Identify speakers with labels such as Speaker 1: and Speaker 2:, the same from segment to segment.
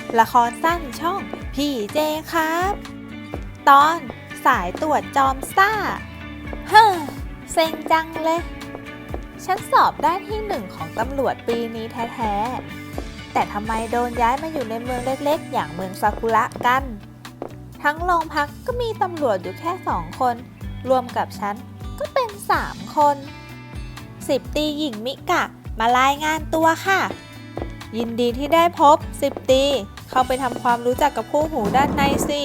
Speaker 1: ละครสั้นช่องพี่เจครับ ตอนสายตรวจจอมซ่าเฮ้อเซ็งจังเลย ฉันสอบได้ที่หนึ่งของตำรวจปีนี้แท้ๆแต่ทำไมโดนย้ายมาอยู่ในเมืองเล็กๆอย่างเมืองซากุระกัน ทั้งโรงพักก็มีตำรวจอยู่แค่2 คน รวมกับฉันก็เป็น3 คน10 ตรีหญิงมิกะมารายงานตัวค่ะยินดีที่ได้พบ10 ตรีเข้าไปทำความรู้จักกับคู่หูด้านในสิ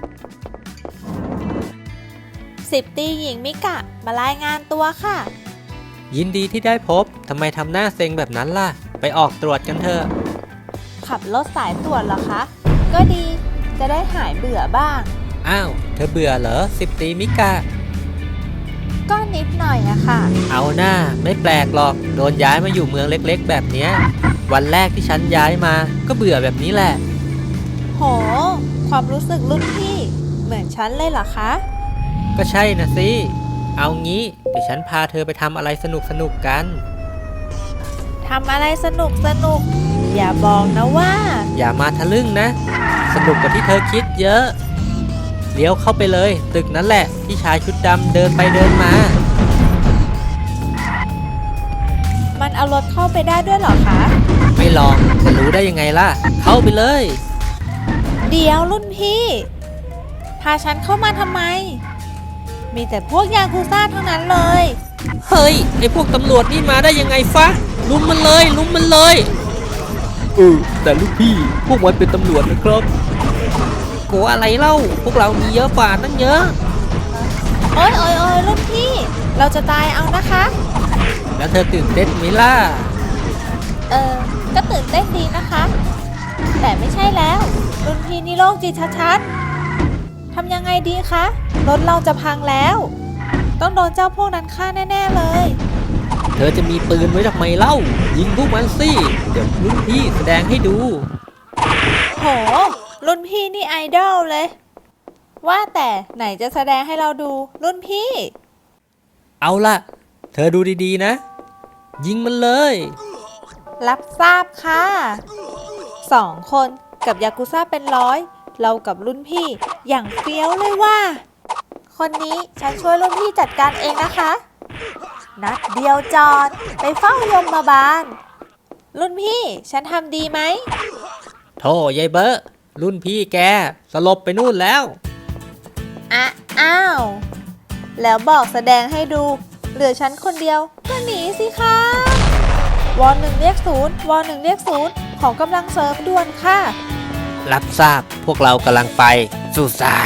Speaker 1: 10 ตรีหญิงมิกะมารายงานตัวค่ะ
Speaker 2: ยินดีที่ได้พบทำไมทำหน้าเซ็งแบบนั้นล่ะไปออกตรวจกันเถอะ
Speaker 1: ขับรถสายตรวจเหรอคะก็ดีจะได้หายเบื่อบ้าง
Speaker 2: อ้าวเธอเบื่อเหรอ10 ตรีมิกะ
Speaker 1: ก็นิดหน่อยอะค่ะ
Speaker 2: เอาหน้าไม่แปลกหรอกโดนย้ายมาอยู่เมืองเล็กๆแบบเนี้ยวันแรกที่ฉันย้ายมาก็เบื่อแบบนี้แหละ
Speaker 1: โหความรู้สึกรุ่นพี่เหมือนฉันเลยเหรอคะ
Speaker 2: ก็ใช่นะสิเอางี้เดี๋ยวฉันพาเธอไปทำอะไรสนุกๆกัน
Speaker 1: ทำอะไรสนุกอย่าบอกนะว่า
Speaker 2: อย่ามาทะลึ่งนะสนุกกว่าที่เธอคิดเยอะเลี้ยวเข้าไปเลยตึกนั้นแหละที่ชายชุดดำเดินไปเดินมา
Speaker 1: มันเอารถเข้าไปได้ด้วยเหรอคะ
Speaker 2: ไม่ลองจะรู้ได้ยังไงล่ะเข้าไปเลย
Speaker 1: เดี๋ยวรุ่นพี่พาฉันเข้ามาทำไมมีแต่พวกยากุซ่าทั้งนั้นเลย
Speaker 2: เฮ้ยไอพวกตำรวจนี่มาได้ยังไงฟะลุมมันเลยแต่ลูกพี่พวกมันเป็นตำรวจนะครับกลัวอะไรเล่าพวกเรามีเยอะกว่าตั้งเยอะ
Speaker 1: โอ้ยรุ่นพี่เราจะตายเอานะคะ
Speaker 2: แล้วเธอตื่นเต้นไหมล่ะ
Speaker 1: ก็ตื่นเต้นดีนะคะแต่ไม่ใช่แล้วรุ่นพี่นี่โรคจิตชัดๆทำยังไงดีคะรถเราจะพังแล้วต้องโดนเจ้าพวกนั้นฆ่าแน่ๆเลย
Speaker 2: เธอจะมีปืนไว้ทำไมเล่ายิงพวกมันสิเดี๋ยวรุ่นพี่แสดงให้ดู
Speaker 1: โหรุ่นพี่นี่ไอดอลเลยว่าแต่ไหนจะแสดงให้เราดูรุ่นพี่
Speaker 2: เอาล่ะเธอดูดีๆนะยิงมันเลย
Speaker 1: รับทราบค่ะ2 คนกับยากุซ่าเป็นร้อยเรากับรุ่นพี่อย่างเฟี้ยวเลยว่าคนนี้ฉันช่วยรุ่นพี่จัดการเองนะคะนัดเดียวจอดไปเฝ้ายมบาลรุ่นพี่ฉันทำดีไหม
Speaker 2: โธ่ยายเบอร์รุ่นพี่แกสลบไปนู่นแล้ว
Speaker 1: อ้าวแล้วบอกแสดงให้ดูเหลือฉันคนเดียวก็หนีสิคะวอ1เรียก0วอ1เรียก0ขอกำลังเสริมด่วนค่ะ
Speaker 2: รับทราบพวกเรากำลังไปสุสา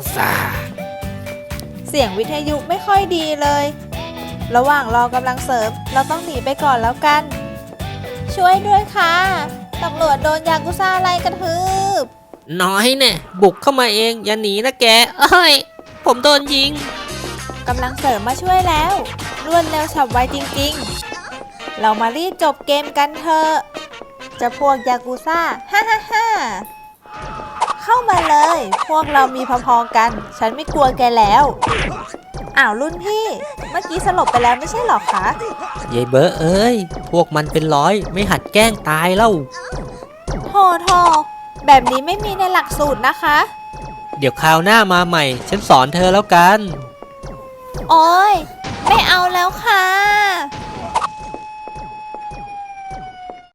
Speaker 1: เสียงวิทยุไม่ค่อยดีเลยระหว่างรอกำลังเสริมเราต้องหนีไปก่อนแล้วกันช่วยด้วยค่ะตำรวจโดนยากุซ่าไล่กระทืบ
Speaker 2: น้อยเนี่ยบุกเข้ามาเองอย่าหนีนะแกเอ้ยผมโดนยิง
Speaker 1: กำลังเสริมมาช่วยแล้วรวดเร็วฉับไวจริงๆเรามารีบจบเกมกันเถอะจะพวกยากุซ่าฮ่าเข้ามาเลยพวกเรามีพอๆกันฉันไม่กลัวแกแล้วอ้าวรุ่นพี่เมื่อกี้สลบไปแล้วไม่ใช่หรอคะ
Speaker 2: ยายเบอร์เอ้ยพวกมันเป็นร้อยไม่หัดแกล้งตายเล่า
Speaker 1: โธ่แบบนี้ไม่มีในหลักสูตรนะคะ
Speaker 2: เดี๋ยวคราวหน้ามาใหม่ฉันสอนเธอแล้วกัน
Speaker 1: โอ๊ยไม่เอาแล้วค่ะ